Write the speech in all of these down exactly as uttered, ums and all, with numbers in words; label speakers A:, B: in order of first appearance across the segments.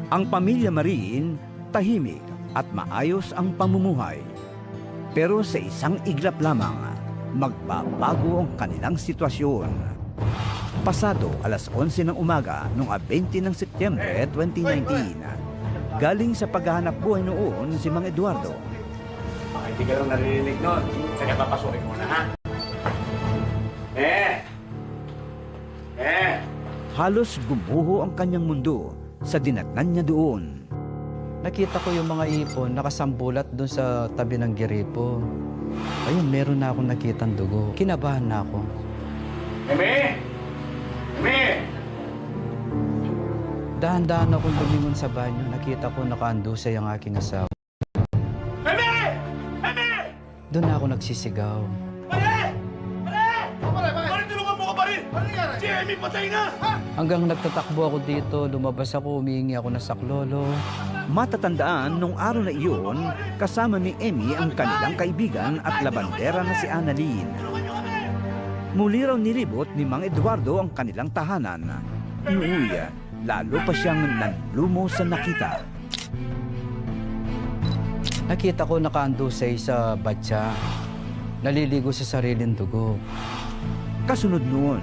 A: Ang pamilya Marin, tahimik at maayos ang pamumuhay. Pero sa isang iglap lamang, magbabago ang kanilang sitwasyon. Pasado alas onse ng umaga noong twenty ng Setyembre twenty nineteen, galing sa paghahanap buhay noon si Mang Eduardo.
B: Baka hindi ka lang naririnig nun. Sige, papasukin mo na, ha? Eh! Eh!
A: Halos gumuho ang kanyang mundo sa dinatnan niya doon.
C: Nakita ko yung mga ipon nakasambulat doon sa tabi ng giripo. Ayun, meron na akong nakitang dugo. Kinabahan na ako.
B: Eme! Eme!
C: Dahan-dahan akong lumingon sa banyo. Nakita ko nakaandusay ang aking asawa.
B: Eme! Eme!
C: Doon na ako nagsisigaw.
B: Pare! Pare! Pare! Pare! Tulungan mo ka pa rin! Si Eme patay na!
C: Hanggang nagtatakbo ako dito, lumabas ako, humihingi ako ng saklolo.
A: Matatandaan nung araw na iyon, kasama ni Emmy ang kanilang kaibigan at labandera na si Annalyn. Muli raw nilibot ni Mang Eduardo ang kanilang tahanan. Inuwi, lalo pa siyang nanlumo sa nakita.
C: Nakita ko nakaandusay sa batya, naliligo sa sariling dugo.
A: Kasunod noon,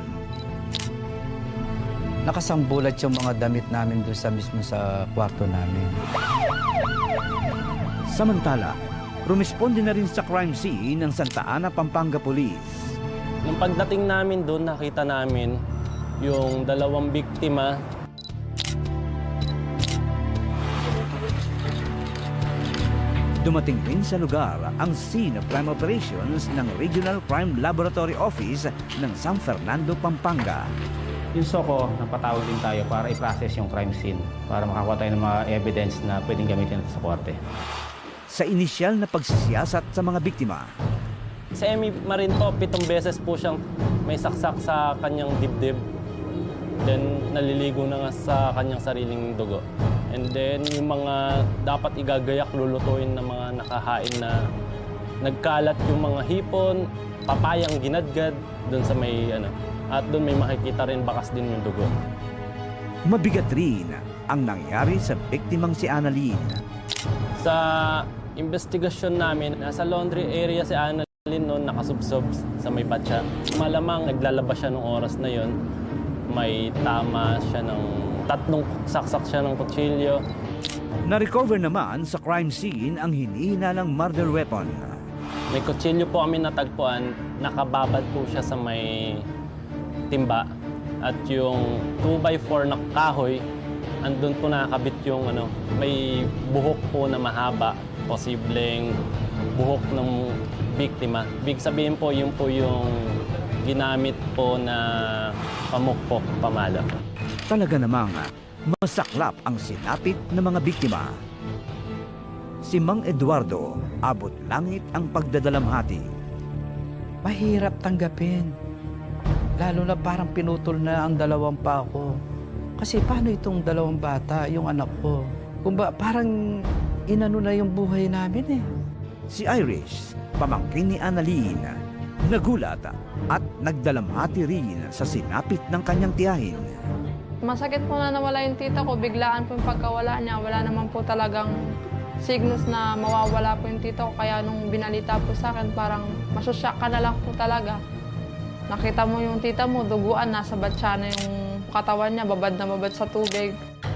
C: Nakasambulat yung mga damit namin doon sa mismo sa kwarto namin.
A: samantala, rumisponde na rin sa crime scene ng Santa Ana, Pampanga Police.
D: Nung pagdating namin doon, nakita namin yung dalawang biktima.
A: Dumating rin sa lugar ang Scene of Crime Operations ng Regional Crime Laboratory Office ng San Fernando, Pampanga.
E: Yung SOCO, napatawag din tayo para i-process yung crime scene para makakuha tayo ng mga evidence na pwedeng gamitin natin sa korte.
A: Sa inisyal na pagsisiyasat sa mga biktima,
D: Si Emmy Marin po, pitong beses po siyang may saksak sa kanyang dibdib. Then, naliligo na nga sa kanyang sariling dugo. And then, yung mga dapat igagayak, lulutuin ng mga nakahain na nagkalat yung mga hipon, papayang ginadgad, doon sa may, ano, at doon may makikita rin bakas din yung dugo.
A: mabigat rin ang nangyari sa biktimang si Annalyn.
D: Sa investigasyon namin, nasa laundry area si Annalyn noon, nakasubsob sa may batya. Malamang naglalabas siya nung oras na yon. May tama siya ng tatlong saksak siya ng kutsilyo.
A: Na-recover naman sa crime scene ang hinihinalang murder weapon.
D: May kutsilyo po kami natagpuan, nakababad po siya sa may timba. At yung two by four na kahoy, andun po nakakabit yung ano, may buhok po na mahaba, posibleng buhok ng biktima. Big sabihin po, yun po yung ginamit po na pamukpok, pamala.
A: Talaga namang masaklap ang sinapit ng mga biktima. Si Mang Eduardo, abot langit ang pagdadalamhati.
C: Mahirap tanggapin. Lalo na parang pinutol na ang dalawang pa ko. Kasi paano itong dalawang bata, yung anak ko? Kung ba, parang inano na yung buhay namin eh.
A: Si Irish, pamangkin ni Annalyn, nagulat at nagdalamhati rin sa sinapit ng kanyang tiyahin.
F: Masakit po na nawala yung tita ko. Biglaan po yung pagkawala niya. Wala naman po talagang signos na mawawala po yung tita ko. Kaya nung binalita po sa akin, parang masusyak ka na lang po talaga. Nakita mo yung tita mo, duguan, nasa batya na yung katawan niya, babad na babad sa tubig.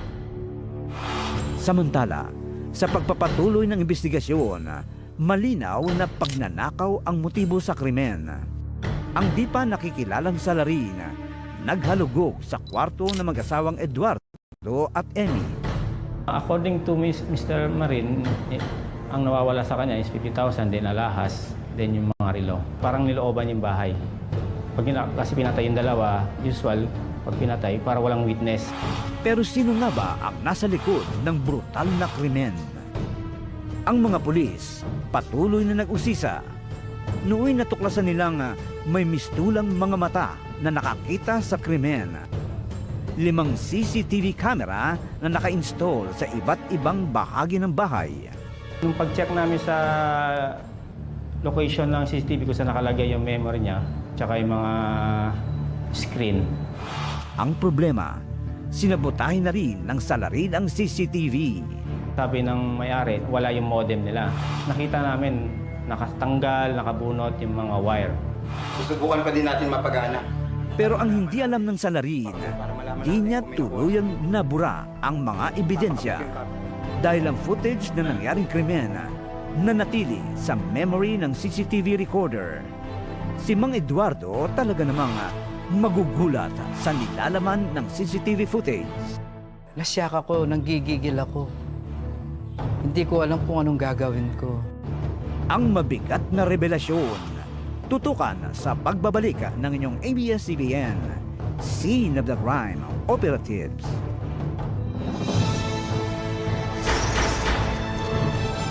A: Samantala, sa pagpapatuloy ng investigasyon, malinaw na pagnanakaw ang motibo sa krimen. Ang di pa nakikilalang salarin, naghalugog sa kwarto ng mag-asawang Eduardo at Emmy.
E: According to Mister Marin, eh, ang nawawala sa kanya is fifty thousand, din alahas, din yung mga relo. Parang nilooban yung bahay. Pag gina- kasi pinatay yung dalawa, usual, pag pinatay, para walang witness.
A: Pero sino nga ba ang nasa likod ng brutal na krimen? Ang mga pulis patuloy na nag-usisa. Nooy natuklasan nilang may mistulang mga mata na nakakita sa krimen. Limang C C T V camera na naka-install sa iba't ibang bahagi ng bahay.
E: Nung pag-check namin sa location ng C C T V kung saan nakalagay yung memory niya, tsaka yung mga screen.
A: Ang problema, sinabotahin na rin ng salarin ang C C T V.
E: Sabi ng may-ari, wala yung modem nila. Nakita namin nakatanggal, nakabunot yung mga wire.
B: Susubukan pa din natin mapagana.
A: Pero ang hindi alam ng salarin, di niya tuluyang nabura ang mga ebidensya dahil ang footage na nangyaring krimen nanatili sa memory ng C C T V recorder. Si Mang Eduardo talaga namang magugulat sa nilalaman ng C C T V footage.
C: Nasyak ako, nanggigigil ako. Hindi ko alam kung anong gagawin ko.
A: Ang mabigat na revelasyon, tutukan sa pagbabalik ng inyong A B S C B N, Scene of the Crime Operatives.